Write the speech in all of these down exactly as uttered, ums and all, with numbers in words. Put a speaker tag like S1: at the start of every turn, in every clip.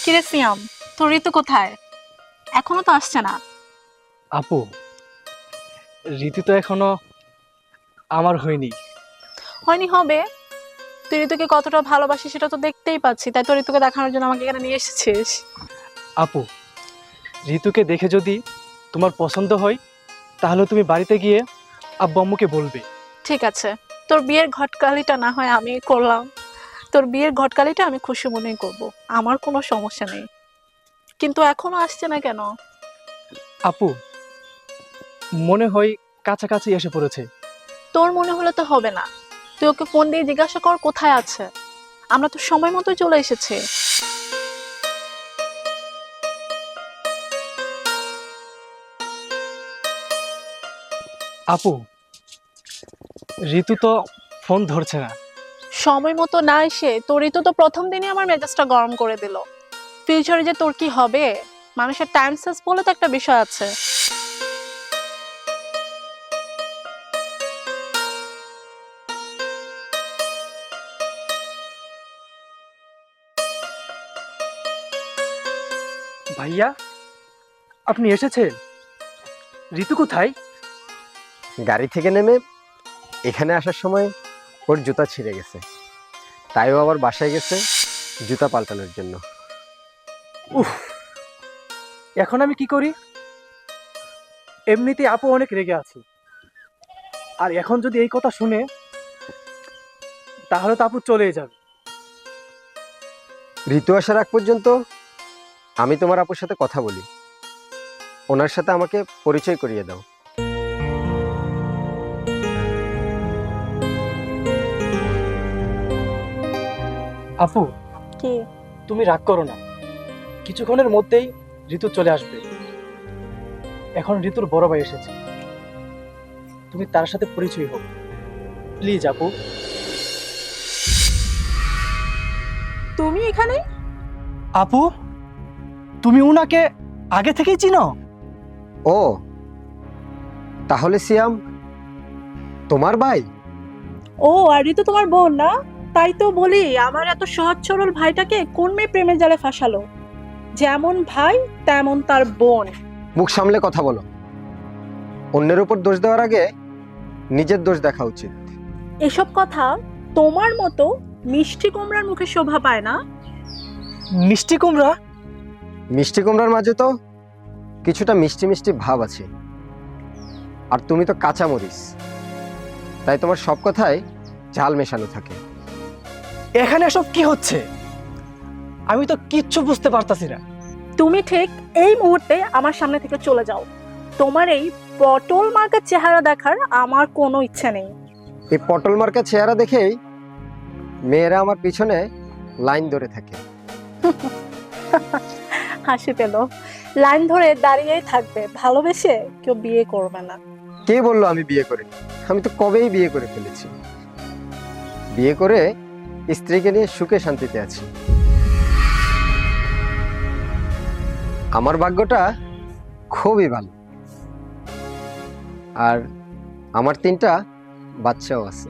S1: কিরে সিয়াম, তোর ঋতু কোথায়? এখনো তো আসছে না।
S2: আপু, রীতি তো এখনো আমার হয়নি।
S1: হয়নি হবে? তুই ঋতুকে কতটা ভালোবাসিস সেটা তো দেখতেই পাচ্ছি, তাই তো ঋতুকে দেখানোর জন্য আমাকে এখানে নিয়ে এসেছিস।
S2: আপু, ঋতুকে দেখে যদি তোমার পছন্দ হয় তাহলে তুমি বাড়িতে গিয়ে আব্বু আম্মুকে বলবে।
S1: ঠিক আছে, তোর বিয়ের ঘটকালিটা না হয় আমি করলাম। তোর বিয়ের ঘটকালিটা আমি খুশি মনেই করব, আমার কোনো সমস্যা নেই। কিন্তু এখনো আসছে না কেন?
S2: আপু, মনে হয় কাছাকাছি এসে পড়েছে।
S1: তোর মনে হলে তো হবে না, তুই ওকে ফোন দিয়ে জিজ্ঞাসা কর কোথায় আছে। আমরা তো সময় মতো চলে এসেছি।
S2: আপু, ঋতু তো ফোন ধরছে না।
S1: সময় মতো না এসে তোর ঋতু তো প্রথম দিনই আমার মেজাজটা গরম করে দিল। ফিউচারে যে তোর কি হবে, মানুষের টাইম সেন্স বলে তো একটা বিষয় আছে।
S2: ভাইয়া, আপনি এসেছেন? ঋতু কোথায়?
S3: গাড়ি থেকে নেমে এখানে আসার সময় ওর জুতা ছিঁড়ে গেছে, তাই ও আবার বাসায় গেছে জুতা পাল্টানোর জন্য।
S2: উফ, এখন আমি কি করি? এমনিতে আপু অনেক রেগে আছে, আর এখন যদি এই কথা শুনে তাহলে তো আপু চলেই যাবে।
S3: ঋতু আসার আগ পর্যন্ত আমি তোমার আপুর সাথে কথা বলি, ওনার সাথে আমাকে পরিচয় করিয়ে দাও।
S2: আপু,
S1: কি?
S2: তুমি রাগ করো না, কিছুক্ষণের মধ্যেই ঋতু চলে আসবে। এখন ঋতুর বড় ভাই এসেছে, তুমি তার সাথে পরিচয় হোক প্লিজ। আপু,
S1: তুমি এখানে?
S2: আপু, তুমি উনাকে আগে থেকেই চিনো?
S3: ও তাহলে সিয়াম তোমার ভাই?
S1: ও, আর ঋতু তোমার বোন না? তাই তো বলি, আমার এত সহজ সরল ভাইটাকে কোন মেয়ে প্রেমের জালে ফাঁসালো? যেমন ভাই তেমন তার বোন।
S3: মুখ সামলে কথা বলো, অন্যের উপর দোষ দেওয়ার আগে নিজের দোষ দেখা উচিত।
S1: এসব কথা তোমার মতো মিষ্টি কুমড়ার মুখে শোভা পায় না।
S2: মিষ্টি কুমড়া?
S3: মিষ্টি কুমড়ার মাঝে তো কিছুটা মিষ্টি মিষ্টি ভাব আছে, আর তুমি তো কাঁচা মরিচ, তাই তোমার সব কথায় ঝাল মেশানো থাকে।
S2: এখানে এসব কি হচ্ছে? আমি তো কিচ্ছু বুঝতে পারতাছি না।
S1: তুমি ঠিক এই মুহূর্তে আমার সামনে থেকে চলে যাও। তোমার এই পটল মার্কা চেহারা দেখার আমার কোনো ইচ্ছে নেই।
S3: এই পটল মার্কা চেহারা দেখেই মেয়েরা আমার পিছনে লাইন ধরে থাকে।
S1: হাসি পেল। লাইন ধরে দাঁড়িয়েই থাকবে, ভালোবেসে কেউ বিয়ে করবে না।
S3: কে বললো আমি বিয়ে করি? আমি তো কবেই বিয়ে করে ফেলেছি। বিয়ে করে স্ত্রীকে নিয়ে সুখে শান্তিতে আছি। আমার ভাগ্যটা খুবই ভালো, আর আমার তিনটা বাচ্চাও আছে।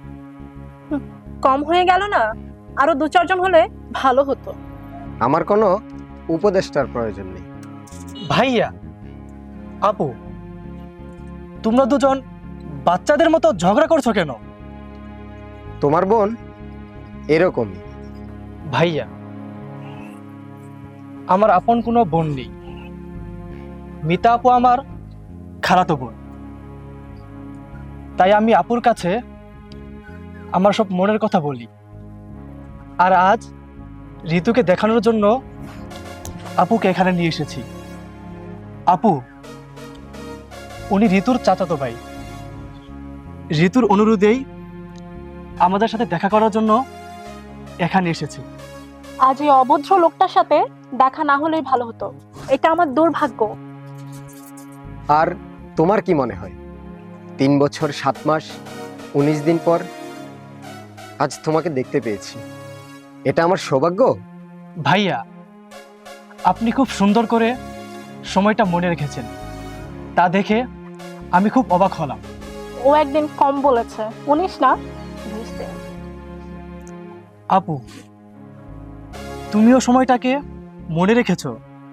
S1: কম হয়ে গেল না? আরো দু চারজন হলে ভালো হতো।
S3: আমার কোনো উপদেষ্টার প্রয়োজন নেই।
S2: ভাইয়া, আপু, তোমরা দুজন বাচ্চাদের মতো ঝগড়া করছো কেন?
S3: তোমার বোন এরকমই।
S2: ভাইয়া, আমার আপন কোনো বোন নেই। মিতা আপু আমার খালাতো বোন, তাই আমি আপুর কাছে আমার সব মনের কথা বলি। আর আজ ঋতুকে দেখানোর জন্য আপুকে এখানে নিয়ে এসেছি। আপু, উনি ঋতুর চাচাতো ভাই। ঋতুর অনুরোধেই আমাদের সাথে দেখা করার জন্য এখানে এসেছি।
S1: আজ এই অভদ্র লোকটার সাথে দেখা না হলেই ভালো হতো, এটা আমার দুর্ভাগ্য।
S3: আর তোমার কি মনে হয়, তিন বছর সাত মাস উনিশ দিন পর আজ তোমাকে দেখতে পেয়েছি, এটা আমার সৌভাগ্য?
S2: ভাইয়া, আপনি খুব সুন্দর করে সময়টা মনে রেখেছেন, তা দেখে আমি খুব অবাক হলাম।
S1: ও একদিন কম বলেছে, উনিশ না বিশ দিন।
S2: আপু, তুমিও সময়টাকে মনে রেখেছো?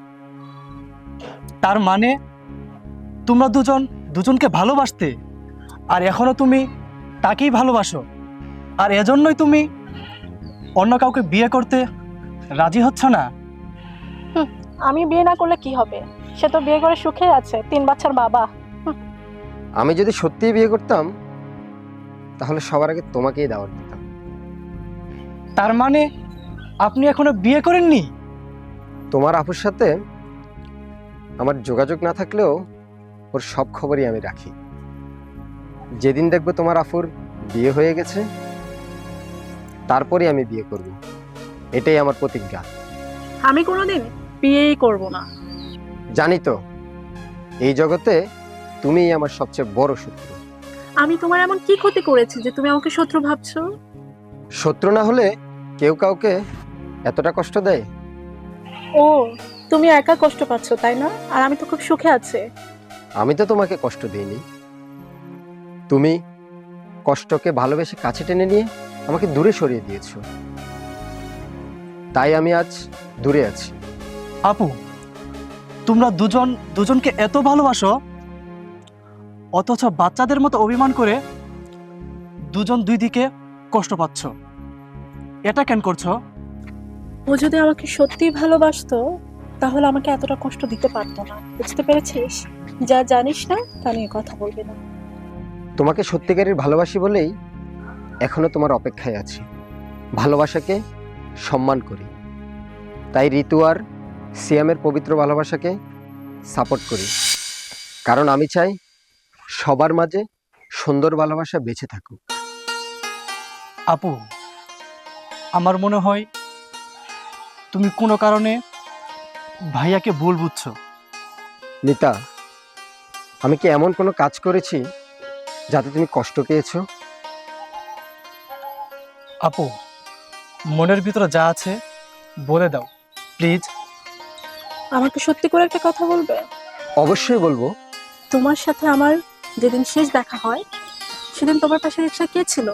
S2: তার মানে তোমরা দুজন দুজনকে ভালোবাসতে, আর এখনো তুমি তাকেই ভালোবাসো, আর এজন্যই তুমি অন্য কাউকে বিয়ে করতে রাজি হচ্ছ না?
S1: আমি বিয়ে না করলে কি হবে? সে তো বিয়ে করে সুখে আছে, তিন বাচ্চার বাবা।
S3: আমি যদি সত্যিই বিয়ে করতাম তাহলে সবার আগে তোমাকেই দাওয়াত দিতাম।
S2: তার মানে আপনি এখনো বিয়ে করেননি?
S3: তোমার আপুর সাথে আমার যোগাযোগ না থাকলেও ওর সব খবরই আমি রাখি। যেদিন দেখবো তোমার আফুর বিয়ে হয়ে গেছে তারপরে আমি বিয়ে করব, এটাই আমার প্রতিজ্ঞা।
S1: আমি কোনোদিন বিয়েই করব না।
S3: জানি তো, এই জগতে তুমিই আমার সবচেয়ে বড় শত্রু।
S1: আমি তোমার এমন কি ক্ষতি করেছি যে তুমি আমাকে শত্রু ভাবছো?
S3: শত্রু না হলে কেউ কাউকে এতটা কষ্ট দেয়?
S1: ও, তুমি একা কষ্ট পাচ্ছ তাই না? আর আমি তো খুব সুখে আছি।
S3: আমি তো তোমাকে কষ্ট দিইনি। তুমি কষ্টকে ভালোবেসে কাছে টেনে নিয়ে আমাকে দূরে সরিয়ে দিয়েছো, তাই আমি আজ দূরে আছি।
S2: আপু, তোমরা দুজন দুজনকে এত ভালোবাসো, অথচ বাচ্চাদের মতো অভিমান করে দুজন দুই দিকে কষ্ট পাচ্ছ। এটা কেন করছো?
S1: ও যদি আমাকে সত্যিই ভালোবাসতো তাহলে আমাকে এতটা কষ্ট দিতে পারতো না। বুঝতে পেরেছিস? যা জানিস না তা নিয়ে কথা বলবি না।
S3: তোমাকে সত্যিকারের ভালোবাসি বলেই এখনো তোমার অপেক্ষায় আছি। ভালোবাসাকে সম্মান করি, তাই ঋতু আর সিয়ামের পবিত্র ভালোবাসাকে সাপোর্ট করি। কারণ আমি চাই সবার মাঝে সুন্দর ভালোবাসা বেঁচে থাকুক।
S2: আপু, আমার মনে হয় তুমি কোনো কারণে ভাইয়াকে ভুল বুঝছো।
S3: নিতা, আমি কি এমন কোনো কাজ করেছি যাতে তুমি কষ্ট পেয়েছো?
S2: আপু, মনের ভিতরে যা আছে বলে দাও প্লিজ।
S1: আমাকে সত্যি করে একটা কথা বলবে?
S3: অবশ্যই বলবো।
S1: তোমার সাথে আমার যেদিন শেষ দেখা হয় সেদিন তোমার পাশে রিকশা কে ছিল?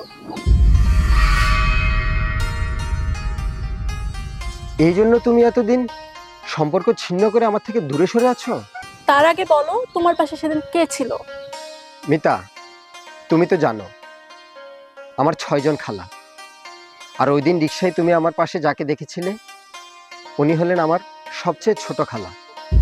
S3: এই জন্য তুমি এতদিন সম্পর্ক ছিন্ন করে আমার থেকে দূরে সরে আছো?
S1: তার আগে বলো তোমার পাশে সেদিন কে ছিল?
S3: মিতা, তুমি তো জানো আমার ছয়জন খালা, আর ওই দিন রিক্সায় তুমি আমার পাশে যাকে দেখেছিলে উনি হলেন আমার সবচেয়ে ছোট খালা।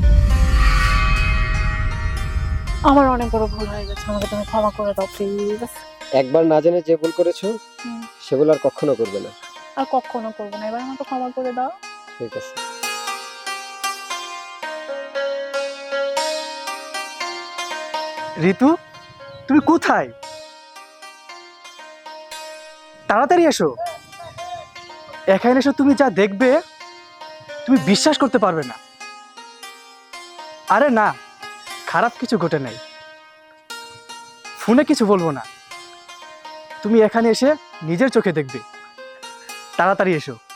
S1: আমার অনেক বড় ভুল হয়ে গেছে, আমাকে তুমি ক্ষমা করে দাও প্লিজ।
S3: একবার না জেনে যে ভুল করেছো সেগুলো আর কখনো করবে না।
S1: আর কখনো করবো না, এবার আমাকে ক্ষমা করে দাও।
S3: ঠিক আছে।
S2: ঋতু, তুমি কোথায়? তাড়াতাড়ি এসো। এখানে এসো, তুমি যা দেখবে তুমি বিশ্বাস করতে পারবে না। আরে না, খারাপ কিছু ঘটে নাই, ফোনে কিছু বলবো না, তুমি এখানে এসে নিজের চোখে দেখবে। তাড়াতাড়ি এসো।